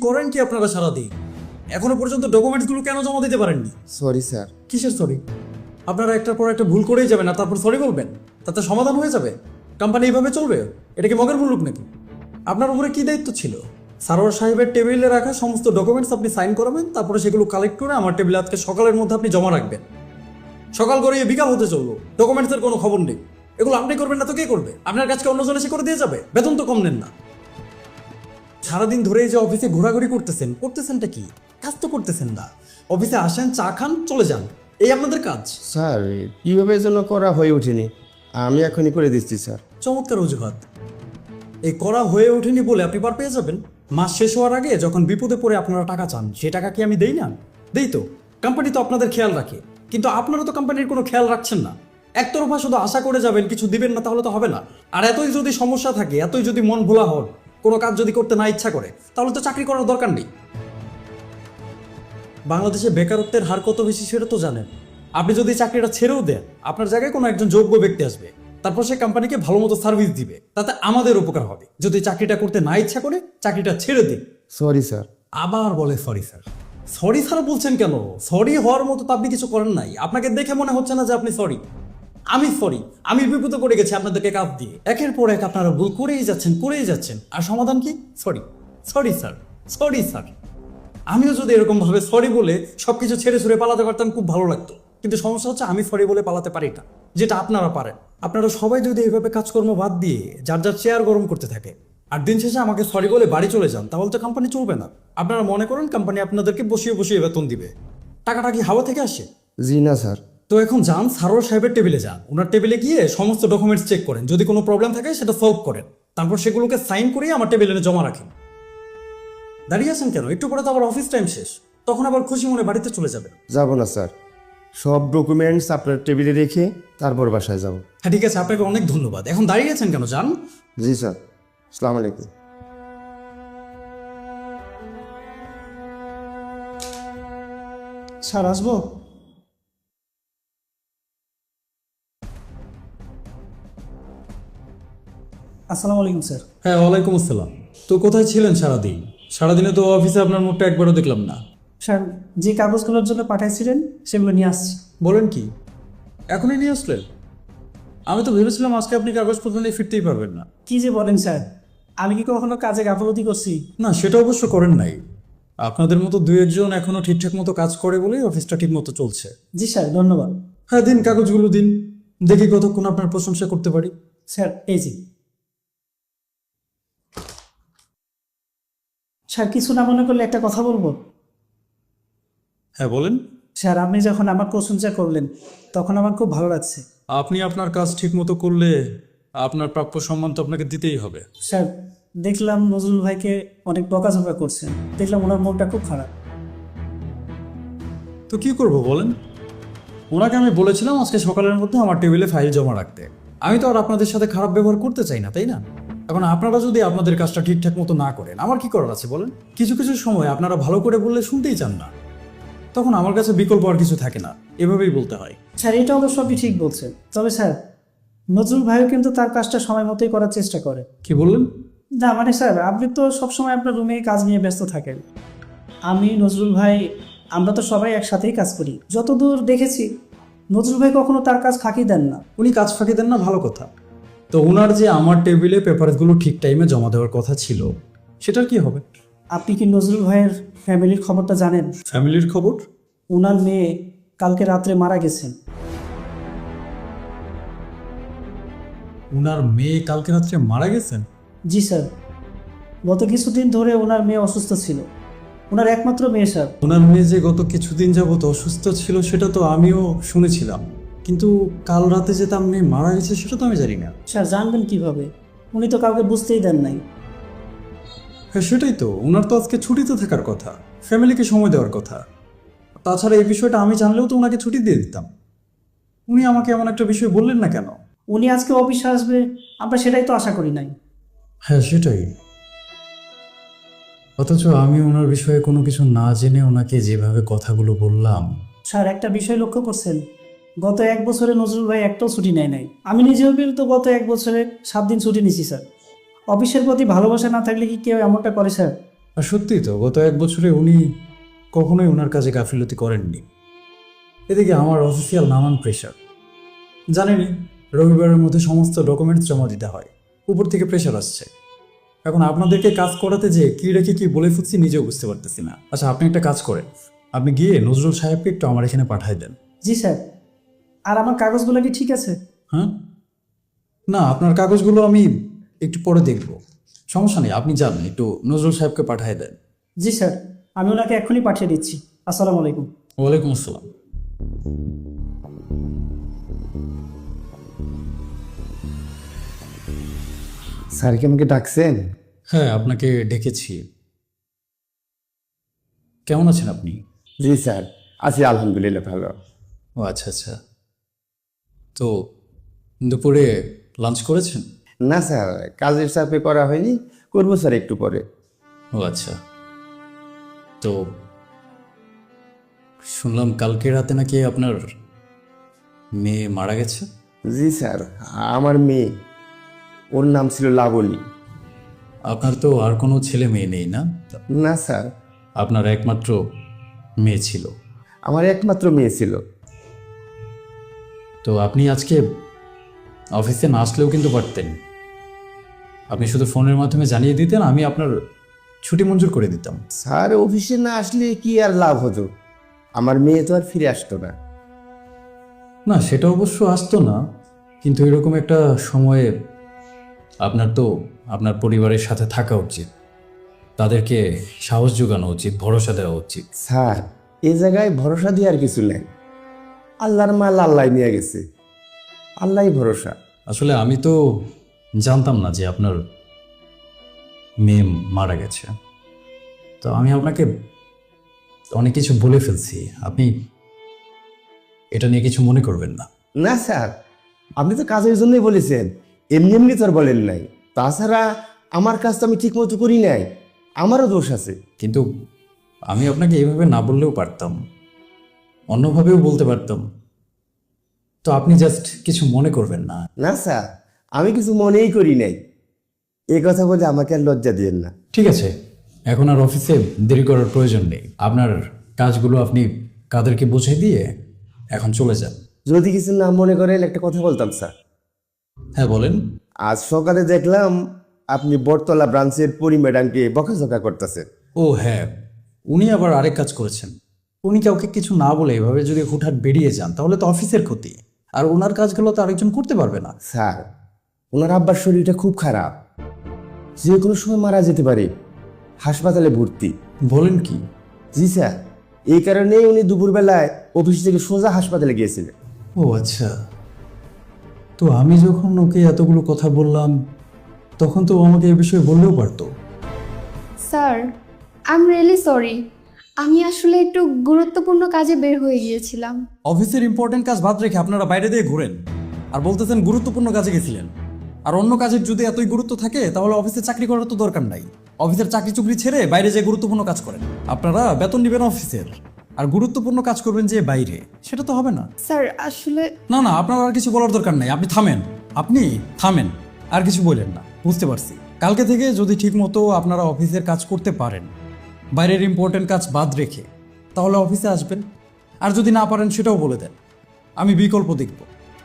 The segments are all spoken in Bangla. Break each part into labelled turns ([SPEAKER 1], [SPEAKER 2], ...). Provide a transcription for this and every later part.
[SPEAKER 1] করেন কি আপনারা সারাদিন? এখনো পর্যন্ত ডকুমেন্টসগুলো কেন জমা দিতে পারেননি?
[SPEAKER 2] Sorry sir.
[SPEAKER 1] কিসের সরি? আপনারা একটার পর একটা ভুল করেই যাবেন আর তারপর সরি বলবেন, তাতে সমাধান হয়ে যাবে? কোম্পানি এইভাবে চলবে? এটা কি মগের মুলুক নাকি? আপনার উপরে কি দায়িত্ব ছিল? সারোয়ার সাহেবের টেবিলে রাখা সমস্ত ডকুমেন্টস আপনি সাইন করাবেন, তারপরে সেগুলো কালেক্ট করে আমার টেবিলে আজকে সকালের মধ্যে আপনি জমা রাখবেন। সকাল করে বিকাল হতে চললো, ডকুমেন্টসের কোনো খবর নেই। এগুলো আপনি করবেন না তো কে করবে? আপনার কাজকে অন্যজন এসে করে দিয়ে যাবে? বেতন তো কম নেন না। সারাদিন ধরে এই যে অফিসে ঘোরাঘুরি করতেছেনটা কি? কাজ তো করতেছেন না। অফিসে আসেন, চা খান, চলে যান, এই আপনাদের কাজ।
[SPEAKER 2] স্যার কীভাবে যেন করা হয়ে ওঠেনি, আমি এখনই করে দিচ্ছি স্যার।
[SPEAKER 1] চমৎকার অজুহাত। এই করা হয়ে ওঠেনি বলে আপনি পার পেয়ে যাবেন? মাস শেষ হওয়ার আগে যখন বিপদে পড়ে আপনারা টাকা চান, সে টাকা কি আমি দেই না? দেই তো। কোম্পানি তো আপনাদের খেয়াল রাখে, কিন্তু আপনারা তো কোম্পানির কোনো খেয়াল রাখছেন না। একতরফা শুধু আশা করে যাবেন, কিছু দিবেন না, তাহলে তো হবে না। আর এতই যদি সমস্যা থাকে, এতই যদি মন ভোলা হন, কোনো কাজ যদি করতে না ইচ্ছা করে, তাহলে তো চাকরি করার দরকার নেই। বাংলাদেশে বেকারত্বের হার কত বেশি সেটা তো জানেন। আপনি যদি চাকরিটা ছেড়েও দেন, আপনার জায়গায় কোনো একজন যোগ্য ব্যক্তি আসবে, তারপর সে কোম্পানিকে ভালো মতো সার্ভিস দিবে, তাতে আমাদের উপকার হবে। যদি চাকরিটা করতে না ইচ্ছা করে, চাকরিটা ছেড়ে দিন।
[SPEAKER 2] Sorry sir.
[SPEAKER 1] আবার বলে সরি স্যার। সরি স্যার বলছেন কেন? সরি হওয়ার মতো তো আপনি কিছু করেন নাই। আপনাকে দেখে মনে হচ্ছে না যে আপনি সরি। আমি সরি। আমি বিপদে পড়ে গেছি আপনাদেরকে কাজ দিয়ে। একের পর এক আপনারা ভুল করেই যাচ্ছেন। আর সমাধান কি? Sorry. Sorry sir. Sorry sir. আমিও যদি এরকম ভাবে সরি বলে সবকিছু ছেড়ে ছুড়ে পালাতে পারতাম, খুব ভালো লাগতো। কিন্তু সমস্যা হচ্ছে আমি সরি বলে পালাতে পারি না, যেটা আপনারা পারেন। আপনারা সবাই যদি এইভাবে কাজকর্ম বাদ দিয়ে যার যার চেয়ার গরম করতে থাকে, আর দিন শেষে আমাকে সরি বলে বাড়ি চলে যান, তাহলে তো কোম্পানি চলবে না। আপনারা মনে করেন কোম্পানি আপনাদেরকে বসিয়ে বসিয়ে বেতন দিবে? টাকাটা কি হাওয়া থেকে আসে?
[SPEAKER 2] জি না স্যার।
[SPEAKER 1] তো এখন যান, সারোয়ার সাহেবের টেবিলে যান, ওনার টেবিলে গিয়ে সমস্ত ডকুমেন্টস চেক করেন, যদি কোনো প্রবলেম থাকে সেটা সলভ করেন, তারপর সেগুলোকে সাইন করে আমার টেবিলে জমা রাখেন। দাঁড়িয়ে আছেন কেন? একটু পরে তো আবার অফিস টাইম শেষ, তখন আবার খুশি মনে বাড়িতে চলে যাবেন।
[SPEAKER 2] যাব না স্যার, সব ডকুমেন্টস আপনার টেবিলে রেখে তারপর বাসায় যাব।
[SPEAKER 1] হ্যাঁ ঠিক আছে, আপনাকে অনেক ধন্যবাদ। এখন দাঁড়িয়ে আছেন কেন? যান।
[SPEAKER 2] জি স্যার, আসসালামু আলাইকুম।
[SPEAKER 3] স্যার আসবো? আসসালামু আলাইকুম স্যার।
[SPEAKER 1] হ্যাঁ, ওয়ালাইকুম আসসালাম। তো কোথায় ছিলেন সারাদিন? সারাদিনে তো অফিসে আপনার মুখটা একবারও দেখলাম না।
[SPEAKER 3] স্যার, যে কাগজগুলোর জন্য পাঠাইছিলেন সেগুলো নিয়ে আসছি।
[SPEAKER 1] বলেন কি? এখনই নিয়ে আসলেন? আমি তো ভেবেছিলাম আজকে আপনি কাগজপত্র নিয়ে ফিরতেই পারবেন না।
[SPEAKER 3] কি যে বলেন স্যার, আমি কি কখনো কাজে গাফলতি করছি?
[SPEAKER 1] না, সেটা অবশ্য করেন নাই। আপনাদের মতো দু একজন এখনো ঠিকঠাক মতো কাজ করে বলেই অফিসটা ঠিক মতো চলছে।
[SPEAKER 3] জি স্যার, ধন্যবাদ।
[SPEAKER 1] হ্যাঁ দিন, কাগজগুলো দিন, দেখি কতক্ষণ আপনার প্রশংসা করতে পারি।
[SPEAKER 3] স্যার এই জি। স্যার, কিছু না মনে করলে একটা কথা বলবো?
[SPEAKER 1] হ্যাঁ বলেন।
[SPEAKER 3] স্যার, আপনি যখন আমার প্রশংসা করলেন তখন আমার খুব ভালো লাগছে।
[SPEAKER 1] আপনি আপনার কাজ ঠিক মতো করলে আপনার প্রাপ্য সম্মান তো আপনাকে দিতেই হবে।
[SPEAKER 3] স্যার, দেখলাম নজরুল ভাইকে অনেক বকাঝকা করছেন, দেখলাম ওনার মনটা খুব খারাপ।
[SPEAKER 1] তো কি করব বলেন? ওনাকে আমি বলেছিলাম আজকে সকালের মধ্যে আমার টেবিলে ফাইল জমা রাখতে। আমি তো আর আপনাদের সাথে খারাপ ব্যবহার করতে চাই না, তাই না? এখন আপনারা যদি আপনাদের কাজটা ঠিকঠাক মতো না করেন, আমার কি করার আছে বলেন? কিছু কিছু সময় আপনারা ভালো করে বললে শুনতেই চান না, তখন আমার কাছে বিকল্প আর কিছু থাকে না, এভাবেই বলতে হয়।
[SPEAKER 3] স্যার, এটা অবশ্য আপনি ঠিক বলছেন, তবে স্যার নজরুল ভাইও কিন্তু তার কাজটা সময় মতোই করার চেষ্টা করে।
[SPEAKER 1] কি বললেন?
[SPEAKER 3] না মানে স্যার, আপনি তো সবসময় আপনার রুমে কাজ নিয়ে ব্যস্ত থাকেন। আমি, নজরুল ভাই, আমরা তো সবাই একসাথেই কাজ করি। যতদূর দেখেছি নজরুল ভাই কখনো তার কাজ ফাঁকি দেন না।
[SPEAKER 1] উনি কাজ ফাঁকি দেন না, ভালো কথা। তো ওনার যে আমার টেবিলে পেপারসগুলো ঠিক টাইমে জমা দেওয়ার কথা ছিল, সেটার কি হবে?
[SPEAKER 3] আপনি কি নজরুল ভাইয়ের ফ্যামিলির খবরটা জানেন?
[SPEAKER 1] ফ্যামিলির খবর?
[SPEAKER 3] ওনার মেয়ে কালকে রাত্রে মারা গেছেন।
[SPEAKER 1] ওনার মেয়ে কালকে রাত্রে মারা গেছেন?
[SPEAKER 3] জি স্যার, গত কিছুদিন ধরে ওনার মেয়ে অসুস্থ ছিল। ওনার একমাত্র মেয়ে স্যার।
[SPEAKER 1] ওনার মেয়ে যে গত কিছুদিন যাবত অসুস্থ ছিল সেটা তো আমিও শুনেছিলাম, কিন্তু কাল রাতে যে তার মেয়ে মারা গেছে সেটা তো আমি জানি না।
[SPEAKER 3] স্যার, জানবেন কিভাবে? উনি তো কাউকে বুঝতেই দেন নাই।
[SPEAKER 1] হ্যাঁ সেটাই তো, ওনার তো আজকে ছুটিতে থাকার কথা, ফ্যামিলিকে সময় দেওয়ার কথা। তাছাড়া এই বিষয়টা আমি জানলেও তো ওনাকে ছুটি দিয়ে দিতাম। উনি আমাকে এমন একটা বিষয় বললেন না কেন?
[SPEAKER 3] উনি আজকে অফিসে আসবে, আমরা সেটাই তো আশা করি নাই।
[SPEAKER 1] হ্যাঁ সেটাই। অথচ আমি ওনার বিষয়ে কোনো কিছু না জেনে ওনাকে যেভাবে কথাগুলো বললাম।
[SPEAKER 3] স্যার, একটা বিষয় লক্ষ্য করছেন? গত এক বছরে নজরুল ভাই একটাও ছুটি নেয় নাই। আমি নিজেও কিন্তু গত এক বছরে 7 দিন ছুটি নিছি স্যার। অফিসের প্রতি ভালোবাসা না থাকলে কি কেউ এমনটা করে স্যার?
[SPEAKER 1] আর সত্যি তো গত 1 বছরে উনি কখনোই ওনার কাজে গাফিলতি করেননি। এদিকে আমার অফিসিয়াল নানান প্রেশার, জানেনই রবিবারের মধ্যে সমস্ত ডকুমেন্টস জমা দিতে হয়, উপর থেকে প্রেশার আসছে। এখন আপনাদেরকে কাজ করাতে যে কি রেখে কি বলে ফুটছি নিজেও বুঝতে পারতেছি না। আচ্ছা, আপনি একটা কাজ করেন, আপনি গিয়ে নজরুল সাহেবকে একটু আমার এখানে পাঠাই দেন।
[SPEAKER 3] জি স্যার। আর আমার কাগজগুলো কি ঠিক আছে?
[SPEAKER 1] হ্যাঁ, না আপনার কাগজগুলো আমি একটু পরে দেখব, সমস্যা নেই, আপনি যান একটু নজরুল সাহেবকে পাঠিয়ে দেন।
[SPEAKER 3] জি স্যার, আমি ওনাকে এক্ষুনি পাঠিয়ে দিচ্ছি। আসসালামু আলাইকুম।
[SPEAKER 1] ওয়ালাইকুম আসসালাম।
[SPEAKER 2] স্যার কি আমাকে ডাকছেন?
[SPEAKER 1] হ্যাঁ, আপনাকে ডেকেছি। কেমন আছেন আপনি?
[SPEAKER 2] জি স্যার, আছি আলহামদুলিল্লাহ ভালো।
[SPEAKER 1] ও আচ্ছা আচ্ছা, তো দুপুরে লাঞ্চ করেছেন?
[SPEAKER 2] না স্যার, কাজের চাপে করা হয়নি, করবো স্যার একটু পরে।
[SPEAKER 1] ও আচ্ছা, তো শুনলাম কালকে রাতে নাকি আপনার মেয়ে মারা গেছে।
[SPEAKER 2] জি স্যার, আমার মেয়ে, ওর নাম ছিল লাবণী।
[SPEAKER 1] আপনার তো আর কোনো ছেলে মেয়ে নেই না?
[SPEAKER 2] না স্যার,
[SPEAKER 1] আপনার একমাত্র মেয়ে ছিল।
[SPEAKER 2] আমার একমাত্র মেয়ে ছিল।
[SPEAKER 1] তো আপনি আজকে অফিসে না আসলেও কিন্তু পারতেন, আপনি শুধু ফোনের মাধ্যমে জানিয়ে দিতেন, আমি আপনার ছুটি মঞ্জুর করে দিতাম।
[SPEAKER 2] স্যার অফিসে না আসলে কি আর লাভ হতো? আমার মেয়ে তো আর ফিরে আসতো না।
[SPEAKER 1] না সেটা অবশ্য আসতো না, কিন্তু এরকম একটা সময়ে আপনার তো আপনার পরিবারের সাথে থাকা উচিত, তাদেরকে সাহস যোগানো উচিত, ভরসা দেওয়া উচিত।
[SPEAKER 2] স্যার এই জায়গায় ভরসা দিয়ে আর কিছু নেই, আল্লাহর মাল আল্লাহ নিয়ে গেছে, আল্লাহই ভরসা।
[SPEAKER 1] আসলে আমি তো জানতাম না যে আপনার মেয়ে মারা গেছে, তো আমি আপনাকে অনেক কিছু বলে ফেলছি, আপনি এটা নিয়ে কিছু মনে করবেন না।
[SPEAKER 2] না স্যার, আপনি তো কাজের জন্যই বলেছেন, এমনি এমনি তো আর বলেন নাই। তাছাড়া আমার কাজ তো আমি ঠিক মতো করি নাই, আমারও দোষ আছে।
[SPEAKER 1] কিন্তু আমি আপনাকে এইভাবে না বললেও পারতাম, অন্যভাবেও বলতে পারতাম, তো আপনি জাস্ট কিছু মনে করবেন না।
[SPEAKER 2] না স্যার, আমি কিছু মনেই করি নাই, এই কথা বলে আমাকে আর লজ্জা দিয়েন না।
[SPEAKER 1] ঠিক আছে, এখন আর অফিসে দেরি করার প্রয়োজন নেই, আপনার কাজগুলো আপনি কাদেরকে বুঝিয়ে দিয়ে এখন চলে যান।
[SPEAKER 2] যদি কিছু না মনে করেন একটা কথা বলতাম স্যার।
[SPEAKER 1] হ্যাঁ বলেন।
[SPEAKER 2] আজ সকালে দেখলাম আপনি বটতলা ব্রাঞ্চের পরি ম্যাডামকে বকাঝকা করতেছেন।
[SPEAKER 1] ও হ্যাঁ, উনি আবার আরেক কাজ করেছেন, উনি কাউকে কিছু না বলে এভাবে যদি হুটহাট বেরিয়ে যান তাহলে তো অফিসের ক্ষতি, আর ওনার কাজগুলো তো আরেকজন করতে পারবে না।
[SPEAKER 2] স্যার ওনার আব্বার শরীরটা খুব খারাপ, যে কোনো সময় মারা যেতে পারে, হাসপাতালে ভর্তি।
[SPEAKER 1] বলেন কি?
[SPEAKER 2] জি স্যার, এই কারণেই উনি দুপুরবেলায় অফিস থেকে সোজা হাসপাতালে গিয়েছিলেন।
[SPEAKER 1] ও আচ্ছা, তো আমি যখন ওকে এতগুলো কথা বললাম তখন তো ও আমাকে এই বিষয়ে বললেও পারতো।
[SPEAKER 4] Sir, I am really sorry. আমি আসলে একটু গুরুত্বপূর্ণ কাজে বের হয়ে গিয়েছিলাম।
[SPEAKER 1] অফিসের ইম্পর্টেন্ট কাজ বাদ রেখে আপনারা বাইরে দিয়ে ঘুরেন আর বলতেছেন গুরুত্বপূর্ণ কাজে গেছিলেন। আর অন্য কাজের যদি এতই গুরুত্ব থাকে তাহলে অফিসে চাকরি করার তো দরকার নাই, অফিসের চাকরি চুকরি ছেড়ে বাইরে যে গুরুত্বপূর্ণ কাজ করেন। আপনারা বেতন নেবেন অফিসের আর গুরুত্বপূর্ণ কাজ করবেন যে বাইরে, সেটা তো হবে না।
[SPEAKER 4] স্যার আসলে
[SPEAKER 1] না না, আপনার আর কিছু বলার দরকার নাই, আপনি থামেন, আপনি থামেন, আর কিছু বললেন না, বুঝতে পারছি। কালকে থেকে যদি ঠিক মতো আপনারা অফিসের কাজ করতে পারেন, বাইরের ইম্পর্টেন্ট কাজ বাদ রেখে, তাহলে অফিসে আসবেন। আর যদি না পারেন সেটাও বলে দেন, আমি বিকল্প দেখব।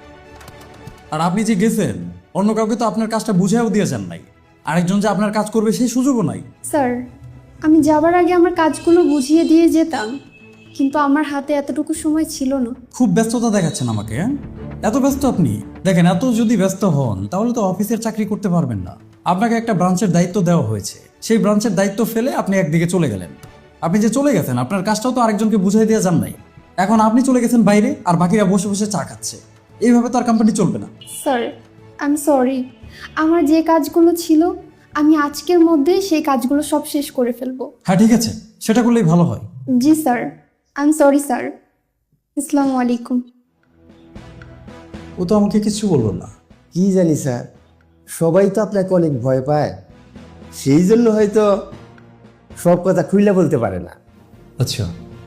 [SPEAKER 1] আর আপনি যে গেছেন অন্য কাউকে তো আপনার কাজটা বুঝাইও দিয়ে যান নাই, আরেকজন যে আপনার কাজ করবে সেই সুযোগও নাই।
[SPEAKER 4] স্যার, আমি যাবার আগে আমার কাজগুলো বুঝিয়ে দিয়ে যেতাম, কিন্তু আমার হাতে এতটুকু সময় ছিল না।
[SPEAKER 1] খুব ব্যস্ততা দেখাচ্ছেন আমাকে, হ্যাঁ? এত ব্যস্ত আপনি? দেখেন, এত যদি ব্যস্ত হন তাহলে তো অফিসের চাকরি করতে পারবেন না। আপনাকে একটা ব্রাঞ্চের দায়িত্ব দেওয়া হয়েছে, সেই ব্রাঞ্চের দায়িত্ব ফেলে আপনি একদিকে চলে গেলেন। আপনি যে চলে গেছেন আপনার কাজটাও তো আরেকজনকে বুঝাই দিয়ে যান নাই। এখন আপনি চলে গেছেন বাইরে আর বাকিরা বসে বসে চা খাচ্ছে, এইভাবে তো আর কোম্পানি চলবে না।
[SPEAKER 4] Sir, I am sorry. আমার যে কাজগুলো ছিল আমি আজকের মধ্যে সেই কাজগুলো সব শেষ করে ফেলবো।
[SPEAKER 1] হ্যাঁ ঠিক আছে, সেটা করলেই ভালো হয়।
[SPEAKER 4] জি sir, I am sorry sir. আসসালামু আলাইকুম।
[SPEAKER 1] ও তো আমাকে কিছু বললো না।
[SPEAKER 2] কি জানি স্যার, সবাই তো আপনাকে অনেক ভয় পায়, সেই জন্য হয়তো সব কথা খুইলা বলতে পারে না।
[SPEAKER 1] আচ্ছা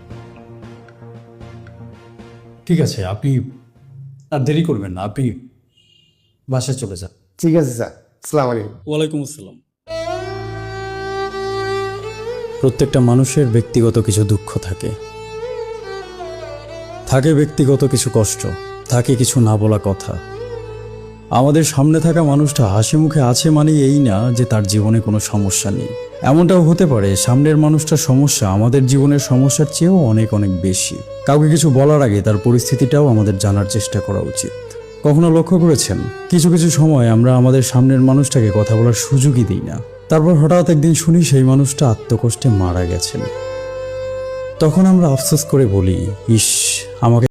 [SPEAKER 1] ঠিক আছে, আপনি আর দেরি করবেন না, আপনি বাসায় চলে যান।
[SPEAKER 2] ঠিক আছে স্যার, আসসালামু আলাইকুম।
[SPEAKER 1] ওয়ালাইকুম আসসালাম। প্রত্যেকটা মানুষের ব্যক্তিগত কিছু দুঃখ থাকে, থাকে ব্যক্তিগত কিছু কষ্ট, থাকে কিছু না বলা কথা। আমাদের সামনে থাকা মানুষটা হাসি মুখে আছে মানে এই না যে তার জীবনে কোনো সমস্যা নেই। এমনটাও হতে পারে সামনের মানুষটার সমস্যা আমাদের জীবনের সমস্যার চেয়েও অনেক অনেক বেশি। কাউকে কিছু বলার আগে তার পরিস্থিতিটাও আমাদের জানার চেষ্টা করা উচিত। কখনো লক্ষ্য করেছেন কিছু কিছু সময় আমরা আমাদের সামনের মানুষটাকে কথা বলার সুযোগই দিই না, তারপর হঠাৎ একদিন শুনি সেই মানুষটা আত্মকষ্টে মারা গেছেন। তখন আমরা আফসোস করে বলি, ইস, আমাকে